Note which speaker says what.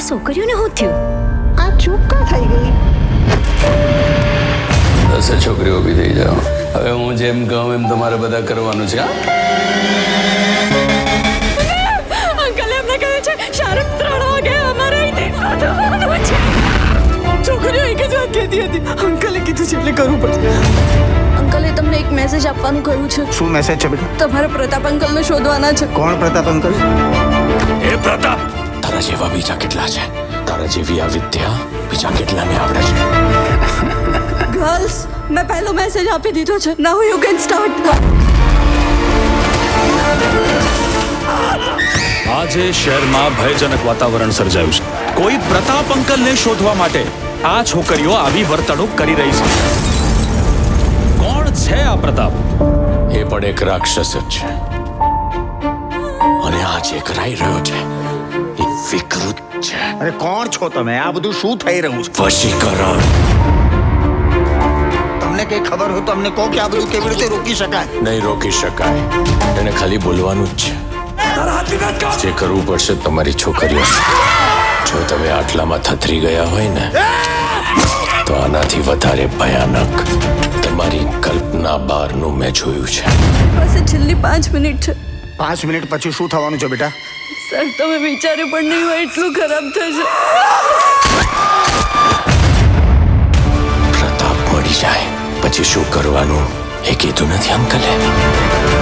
Speaker 1: છોકરીઓને શું થયું?
Speaker 2: આ ચૂપ કા થઈ ગઈ?
Speaker 3: 10 છોકરીઓ ઊભી થઈ જાઓ. હવે હું જેમ કહું એમ તમારે બધા કરવાનું છે.
Speaker 1: અંકલે એમને કહ્યું છે શાહરુખ 3 વાગે અમારે અહીંથી શોધવાનું છે. છોકરીઓ એક જ વાત કહેતી હતી. અંકલે કીધું છે એટલે કરવું પડશે. અંકલે તમને એક મેસેજ આપવાનું કહ્યું છે.
Speaker 2: શું મેસેજ છે બેટા?
Speaker 1: તમારે પ્રતાપ અંકલને શોધવાના છે.
Speaker 2: કોણ પ્રતાપ અંકલ?
Speaker 4: એ પ્રતાપ, તારા જેવા બીજા કેટલા છે? તારા જેવી આ વિદ્યા બીજા કેટલાને આવડે છે?
Speaker 1: ગર્લ્સ, મેં પહેલો મેસેજ આપી દીધો છે. Now you can start.
Speaker 4: આજે શહેરમાં ભયજનક વાતાવરણ સર્જાયું છે. કોઈ પ્રતાપ અંકલને શોધવા માટે આ છોકરીઓ આવી વર્તણૂક કરી રહી છે. કોણ છે આ પ્રતાપ? એ પણ એક રાક્ષસ જ છે, અને આ જે કરાઈ રહ્યો છે એ વિકૃત છે.
Speaker 2: અરે કોણ છો તમે? આ બધું શું થઈ રહ્યું છે?
Speaker 4: વશીકરણ.
Speaker 2: તમને કઈ ખબર હોય તો અમને કહો કે આ બધું કેવી રીતે રોકી શકાય?
Speaker 4: નહીં રોકી શકાય. એને ખાલી બોલવાનું જ છે. જે કરવું પડશે તમારી છોકરીઓ. જો તમે આટલામાં થથરી ગયા હોય ને, તો આનાથી વધારે ભયાનક તમારી કલ્પના બહારનું મેં જોયું છે.
Speaker 1: પાસે છેલ્લી 5 મિનિટ છે.
Speaker 2: 5 મિનિટ પછી શું થવાનું છે બેટા?
Speaker 1: સર, તમે વિચાર્યું પણ નહીં હોય એટલું ખરાબ થશે.
Speaker 4: પ્રતાપ મળી જાય પછી શું કરવાનું એ કીધું નથી અંકલે.